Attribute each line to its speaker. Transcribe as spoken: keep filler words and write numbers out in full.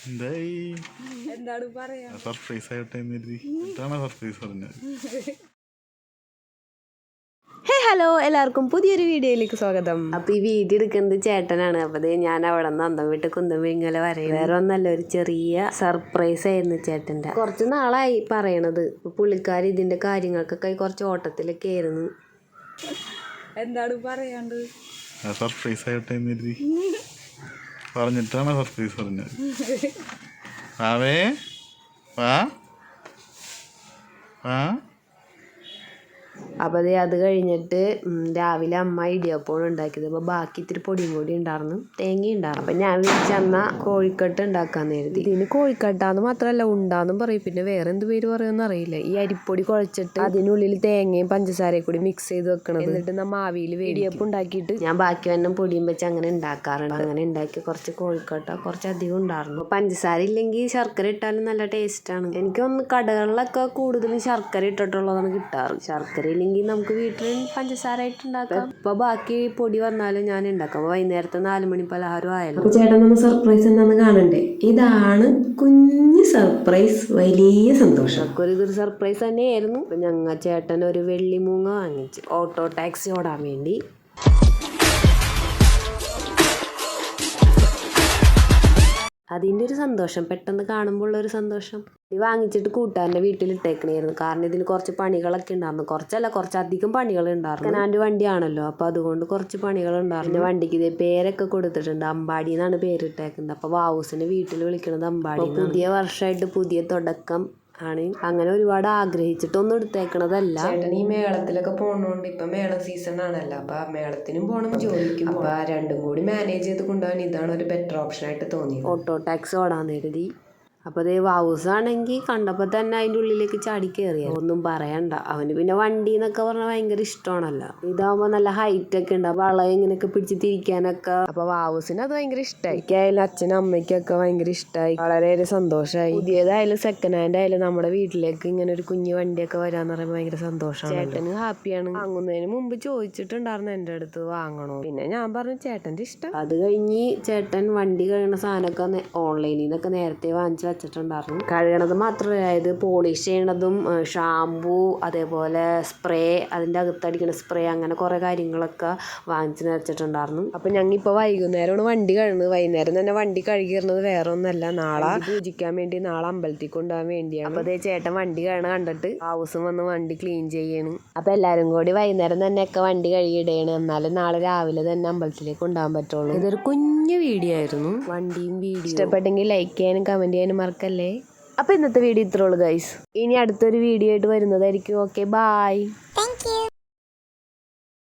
Speaker 1: എന്തായി
Speaker 2: എന്താണ് പറയാ
Speaker 1: സർപ്രൈസ് ആയിട്ടെ എന്താണ് സർപ്രൈസ് പറഞ്ഞത്?
Speaker 3: ഹേ ഹലോ, എല്ലാവർക്കും പുതിയൊരു വീഡിയോയിലേക്ക് സ്വാഗതം. അപ്പൊ ഈ വീഡിയോ എടുക്കുന്നത് ചേട്ടനാണ്. അപ്പൊ ഞാൻ അവിടെ നിന്ന് അന്തം വിട്ട് കുന്തം വിങ്ങല വരെയും വേറെ ഒന്നല്ല, ഒരു ചെറിയ സർപ്രൈസ് ആയിരുന്നു ചേട്ടന്റെ. കുറച്ച് നാളായി പറയണത്. പുള്ളിക്കാരി ഇതിന്റെ കാര്യങ്ങൾക്കൊക്കെ കുറച്ച് ഓട്ടത്തിലൊക്കെ ആയിരുന്നു.
Speaker 2: എന്താണ് പറയാണ്ട്
Speaker 1: സർപ്രൈസ് ആയിട്ടെ പറഞ്ഞിട്ടാണ് സർപ്രൈസ് പറഞ്ഞത്. ആവേ വാ വാ.
Speaker 3: അപ്പോൾ അതേ അത് കഴിഞ്ഞിട്ട് രാവിലെ അമ്മ ഇടിയപ്പോൾ ഉണ്ടാക്കിയത്. അപ്പോൾ ബാക്കി ഇത്തിരി പൊടിയും കൂടി ഉണ്ടായിരുന്നു, തേങ്ങ ഉണ്ടായിരുന്നു. അപ്പം ഞാൻ വിളിച്ചെന്ന കോഴിക്കട്ട് ഉണ്ടാക്കാന്ന് കരുതി. ഇതിന് കോഴിക്കട്ടാന്ന് മാത്രമല്ല ഉണ്ടാന്നും പറയും, പിന്നെ വേറെ എന്ത് പേര് പറയുമെന്ന് അറിയില്ല. ഈ അരിപ്പൊടി കുഴച്ചിട്ട് അതിനുള്ളിൽ തേങ്ങയും പഞ്ചസാരയും കൂടി മിക്സ് ചെയ്ത് വെക്കണം. എന്നിട്ട് നമ്മ ആവിയിൽ ഇടിയപ്പം ഉണ്ടാക്കിയിട്ട് ഞാൻ ബാക്കി വന്നം പൊടിയും വെച്ച് അങ്ങനെ ഉണ്ടാക്കാറുണ്ട്. അങ്ങനെ ഉണ്ടാക്കി കുറച്ച് കോഴിക്കട്ട കുറച്ച് അധികം ഉണ്ടായിരുന്നു. പഞ്ചസാര ഇല്ലെങ്കിൽ ശർക്കര ഇട്ടാലും നല്ല ടേസ്റ്റാണ്. എനിക്കൊന്ന് കടകളിലൊക്കെ കൂടുതലും ശർക്കര ഇട്ടിട്ടുള്ളതാണ് കിട്ടാറ്. ശർക്കര ഇല്ലെങ്കിൽ നമുക്ക് വീട്ടിൽ പഞ്ചസാര ആയിട്ട് ഉണ്ടാക്കാം. ഇപ്പൊ ബാക്കി പൊടി വന്നാലും ഞാൻ ഉണ്ടാക്കാം. വൈകുന്നേരത്തെ നാല് മണി പലഹാരം ആയാലും. അപ്പൊ ചേട്ടൻ നമ്മൾ സർപ്രൈസ് എന്താന്ന് കാണണ്ടേ? ഇതാണ് കുഞ്ഞു സർപ്രൈസ്. വലിയ സന്തോഷം. ഒരു ഇതൊരു സർപ്രൈസ് തന്നെയായിരുന്നു. അപ്പൊ ഞങ്ങൾ ചേട്ടൻ ഒരു വെള്ളിമൂങ്ങ വാങ്ങിച്ചു ഓട്ടോ ടാക്സി ഓടാൻ വേണ്ടി. അതിൻ്റെ ഒരു സന്തോഷം, പെട്ടെന്ന് കാണുമ്പോൾ ഉള്ളൊരു സന്തോഷം. ഇത് വാങ്ങിച്ചിട്ട് കൂട്ടാൻ്റെ വീട്ടിലിട്ടേക്കണായിരുന്നു. കാരണം ഇതിന് കുറച്ച് പണികളൊക്കെ ഉണ്ടായിരുന്നു. കുറച്ചല്ല, കുറച്ചധികം പണികൾ ഉണ്ടായിരുന്നു. കനാൻ്റെ വണ്ടിയാണല്ലോ, അപ്പോൾ അതുകൊണ്ട് കുറച്ച് പണികൾ ഉണ്ടായിരുന്നു. വണ്ടിക്ക് ഇതേ പേരൊക്കെ കൊടുത്തിട്ടുണ്ട്. അമ്പാടി എന്നാണ് പേരിട്ടേക്കുന്നത്. അപ്പോൾ വാവൂസിനെ വീട്ടിൽ വിളിക്കുന്നത് അമ്പാടി. പുതിയ വർഷമായിട്ട് പുതിയ തുടക്കം ആണ്. അങ്ങനെ ഒരുപാട് ആഗ്രഹിച്ചിട്ടൊന്നും എടുത്തേക്കണതല്ല. ചേട്ടൻ ഈ മേളത്തിലൊക്കെ പോണോണ്ട് ഇപ്പൊ മേള സീസൺ ആണല്ലോ, അപ്പൊ മേളത്തിനും പോണം ജോലിക്കും. അപ്പൊ രണ്ടും കൂടി മാനേജ് ചെയ്ത് കൊണ്ടുപോകാൻ ഇതാണ് ഒരു ബെറ്റർ ഓപ്ഷൻ ആയിട്ട് തോന്നി. ഓട്ടോ ടാക്സി ഓടാൻ കരുതി. അപ്പോൾ അതേ വാവൂസ് ആണെങ്കിൽ കണ്ടപ്പോൾ തന്നെ അതിൻ്റെ ഉള്ളിലേക്ക് ചാടി കയറിയ ഒന്നും പറയണ്ട. അവന് പിന്നെ വണ്ടി എന്നൊക്കെ പറഞ്ഞാൽ ഭയങ്കര ഇഷ്ടമാണല്ലോ. ഇതാകുമ്പോൾ നല്ല ഹൈറ്റ് ഒക്കെ ഉണ്ട്, വളയം ഇങ്ങനെയൊക്കെ പിടിച്ച് തിരിക്കാനൊക്കെ. അപ്പോൾ വാവൂസിന് അത് ഭയങ്കര ഇഷ്ടമായി. എനിക്കായാലും അച്ഛനും അമ്മയ്ക്കൊക്കെ ഭയങ്കര ഇഷ്ടമായി. വളരെയേറെ സന്തോഷമായി. പുതിയതായാലും സെക്കൻഡ് ഹാൻഡ് ആയാലും നമ്മുടെ വീട്ടിലേക്ക് ഇങ്ങനെ ഒരു കുഞ്ഞു വണ്ടിയൊക്കെ വരാന്ന് പറയുമ്പോൾ ഭയങ്കര സന്തോഷമാണ്. ചേട്ടന് ഹാപ്പിയാണ്. വാങ്ങുന്നതിന് മുമ്പ് ചോദിച്ചിട്ടുണ്ടായിരുന്നു എൻ്റെ അടുത്ത് വാങ്ങണോ. പിന്നെ ഞാൻ പറഞ്ഞു ചേട്ടൻ്റെ ഇഷ്ടം. അത് കഴിഞ്ഞ് ചേട്ടൻ വണ്ടി കഴിയുന്ന സാധനമൊക്കെ ഓൺലൈനിൽ നിന്നൊക്കെ നേരത്തെ വാങ്ങിച്ചു വെച്ചിട്ടുണ്ടായിരുന്നു. കഴുകണത് മാത്രമല്ല, അതായത് പോളിഷ് ചെയ്യണതും ഷാമ്പൂ, അതേപോലെ സ്പ്രേ, അതിൻ്റെ അകത്തടിക്കുന്ന സ്പ്രേ, അങ്ങനെ കുറേ കാര്യങ്ങളൊക്കെ വാങ്ങിച്ച് വെച്ചിട്ടുണ്ടായിരുന്നു. അപ്പം ഞങ്ങളിപ്പോൾ വൈകുന്നേരമാണ് വണ്ടി കഴുകുന്നത്. വൈകുന്നേരം തന്നെ വണ്ടി കഴുകിയിരുന്നത് വേറെ ഒന്നല്ല, നാളെ പൂജിക്കാൻ വേണ്ടി, നാളെ അമ്പലത്തിൽ കൊണ്ടുപോകാൻ വേണ്ടിയാണ്. അപ്പോൾ അതേ ചേട്ടൻ വണ്ടി കഴുകണ കണ്ടിട്ട് ഹൗസും വന്ന് വണ്ടി ക്ലീൻ ചെയ്യണം. അപ്പോൾ എല്ലാവരും കൂടി വൈകുന്നേരം തന്നെയൊക്കെ വണ്ടി കഴുകിയിടയാണ്. എന്നാലും നാളെ രാവിലെ തന്നെ അമ്പലത്തിലേക്ക് കൊണ്ടുപോകാൻ പറ്റുള്ളൂ. ഇതൊരു കുഞ്ഞു വീഡിയോ ആയിരുന്നു. വണ്ടിയും വീഡിയോ ഇഷ്ടപ്പെട്ടെങ്കിൽ ലൈക്ക് ചെയ്യാനും കമൻറ്റ് ചെയ്യാനും മറക്കല്ലേ. അപ്പോൾ ഇന്നത്തെ വീഡിയോ ഇത്രേ ഉള്ളൂ ഗൈസ്. ഇനി അടുത്തൊരു വീഡിയോ ആയിട്ട് വരുന്നതായിരിക്കും. Okay, bye.